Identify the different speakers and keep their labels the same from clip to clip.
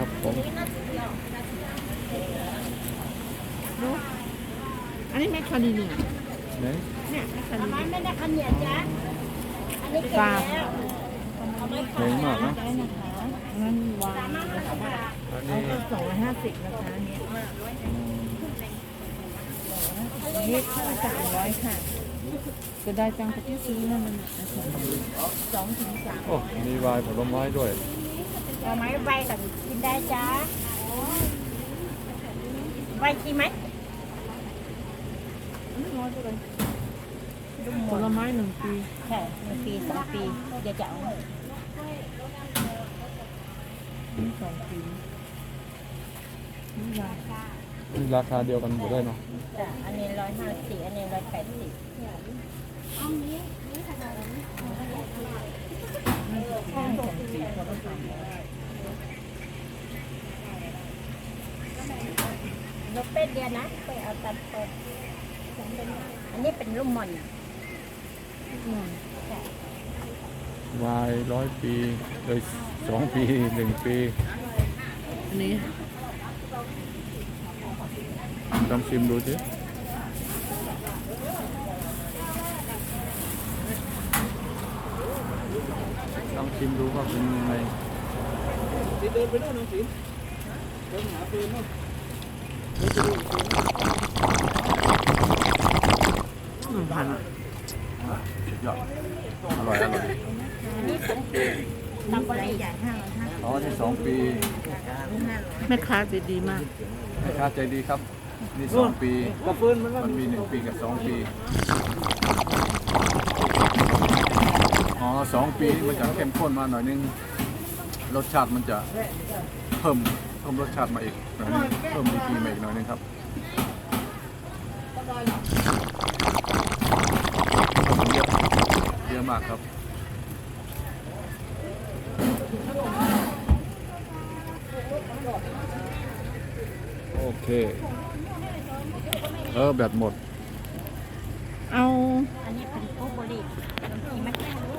Speaker 1: ครับผม
Speaker 2: อันนี้แมคคาเดเมีย
Speaker 1: เนี่ย
Speaker 2: แมคคาเดเมีย
Speaker 3: ไม่ได้คันเหยียดจ้ะอันนี้เก็บแล้วเอาไม้
Speaker 1: แพงมากนะ
Speaker 2: ได้นะคะงั้นวางนะคะ
Speaker 1: อัน
Speaker 2: เอา
Speaker 1: นี้
Speaker 2: ก็250นะคะอันนี้อันนี้300ค่ะจะได้จังกับที่ซื้อนั่นน่ะนะคะ2 ถึง 3
Speaker 1: โอ้มีวายผลไม้ด้วย
Speaker 3: เอาไม้ใบกับกินได้จ้ะใบกินไหม
Speaker 2: ผลไม้1 ปี
Speaker 3: ใช่1 ปี2 ปีเดี๋ยวจะเอา
Speaker 2: 2 ปีนี่ราคา
Speaker 1: ราคาเดียวกันหมดได้เนาะ
Speaker 3: จ้ะอันนี้150อันนี้180นกเป็ดเดียวนะไปเอาตัดเปิดอันนี้เป็นลูกหม่อน
Speaker 1: วาย100 ปีเลย2 ปี1 ปี
Speaker 2: อันนี้
Speaker 1: ลองชิมดูสิลองชิมดูว่าเป็นยังไง
Speaker 4: เดินไปโน่นน้องศิลป์เดินหาปืนโน่น
Speaker 2: 1,000
Speaker 1: สุดยอดอร่อยอร่อย
Speaker 3: ตำบลีใหญ่
Speaker 1: อ๋อนี่2 ปี
Speaker 2: แม่ค้าใจดีมาก
Speaker 1: แม่ค้าใจดีครับนี่2 ปี
Speaker 4: กับปืนมันว่า
Speaker 1: มันมี1 ปีกับ2 ปีอ๋อ2 ปีนี่มันจะเข้มข้นมาหน่อยนึงรสชาติมันจะเพิ่มรสชาติมาอีกหน่อยนึงเพิ่มดีกรีมาอีกหน่อยนึงครับเยอะมากครับโอเคแบตหมด
Speaker 2: เอา
Speaker 3: อันนี้เป็นโกโบลีมีไหม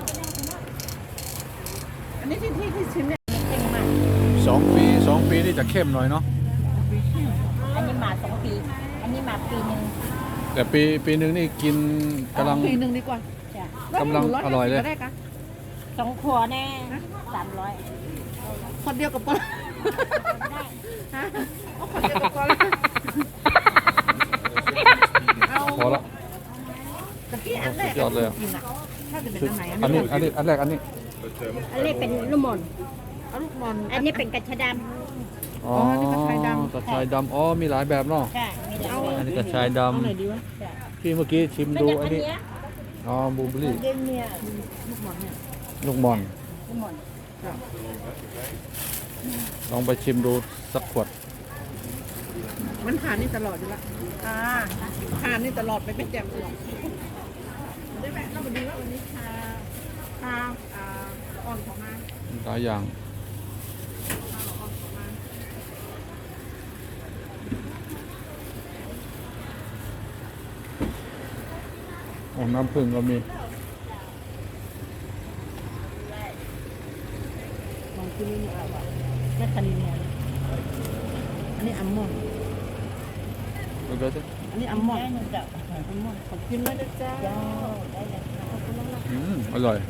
Speaker 2: อันนี้ที่ชิมเนี่ย
Speaker 3: เก่งมาก
Speaker 1: 2 ปีนี่จะเข้มหน่อยเนาะ
Speaker 3: อันนี้มา2 ปี อันนี้มาปีหนึ่ง
Speaker 1: แต่ปีหนึ่งนี่กินกำลัง
Speaker 2: ปีหนึ่งดีกว่า
Speaker 3: จ้ะ
Speaker 1: กำลังอร่อยเลย
Speaker 2: ได้กะ
Speaker 3: 2 ขวดแน่300
Speaker 2: คนเดียวกับปอฮะเอาคนเดียวกับปอเอา
Speaker 1: พอละ
Speaker 2: ตะกี้อันแรก
Speaker 1: สุดยอดเลยอะ
Speaker 2: กินอ่ะถ้าจะเป็น
Speaker 1: ชุด
Speaker 2: อันไหน
Speaker 1: อันแรกอันนี้
Speaker 3: อันนี้เป็นลูกหม่อน
Speaker 2: เอาลูกบอล
Speaker 3: อันนี้เป็นกระชะด
Speaker 1: อ๋อ
Speaker 2: นี่กระชายดำ
Speaker 1: กระชายดำอ๋อมีหลายแบบเนาะ
Speaker 3: ำค่ะมีหลาย
Speaker 1: อัน
Speaker 3: แบบ
Speaker 1: นี้กระชายด
Speaker 2: เอาไหนดีวะ
Speaker 3: จ้ะ
Speaker 1: ำที่เมื่อกี้ชิม
Speaker 3: ไม่
Speaker 1: ดู
Speaker 3: ได้
Speaker 1: อั
Speaker 3: อั
Speaker 1: น
Speaker 3: น
Speaker 1: นี้
Speaker 3: เนี้ย
Speaker 1: อ๋อบูเบอรี่
Speaker 3: เดนเนี่ย
Speaker 2: ลูกบอลเนี่ย
Speaker 1: ลูกบอล
Speaker 3: ลูกหม่อน
Speaker 1: ลองไปชิมดูสักขวด
Speaker 2: มันผ่านนี่ตลอดอยู่ละ
Speaker 3: อ่า
Speaker 2: ผ่านนี่ตลอดไปเป็นแจ่มตลอดได้ไหมเราไปดูว่าวันนี้ชาอ่อนของมา
Speaker 1: หลายอย่างโอ้น้ำผึ้งก็มี
Speaker 2: ลองกินนี่อะไรแม่คานีเนี่ยอันนี้อัลมอนด์
Speaker 1: ดูดูสิ
Speaker 2: อันนี้อัลมอน
Speaker 3: ได้
Speaker 2: ด์
Speaker 3: หนึ่งดอก
Speaker 2: อัลมอนด์ขอบคุณมากนะจ๊ะ
Speaker 3: เจ้าได้เลยค่ะ
Speaker 1: อร่อย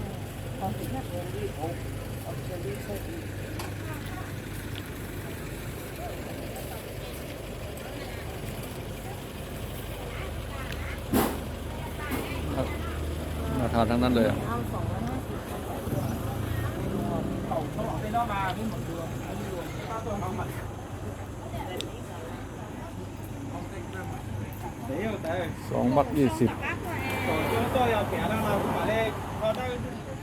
Speaker 1: น่าทานทั้งนั้นเลยอ่ะ
Speaker 3: เอา250
Speaker 1: 2 มัด 20
Speaker 4: ตัว要给他让他把那他那个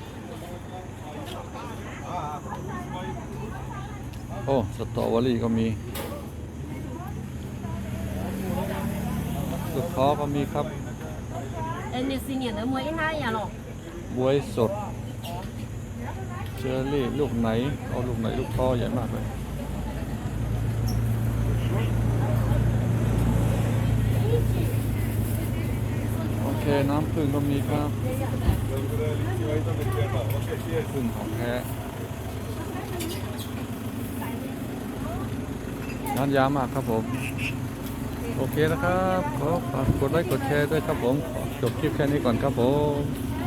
Speaker 1: โอ้สตรอเบอรี่ก็มีลูกท้อก็มีครับ
Speaker 3: อันนี้สิเนี่ยนะมวยห้าอย่าหรอก
Speaker 1: บวยสดเชอร์รี่ลูกไหนเอาลูกไหนลูกท้อใหญ่มากเลยโอเคน้ำผึ้งก็มีครับผึ้งของแท้ร้านยามากครับผมโอเคนะครับขอฝากกดไลค์กดแชร์ด้วยครับผมขอจบคลิปแค่นี้ก่อนครับผม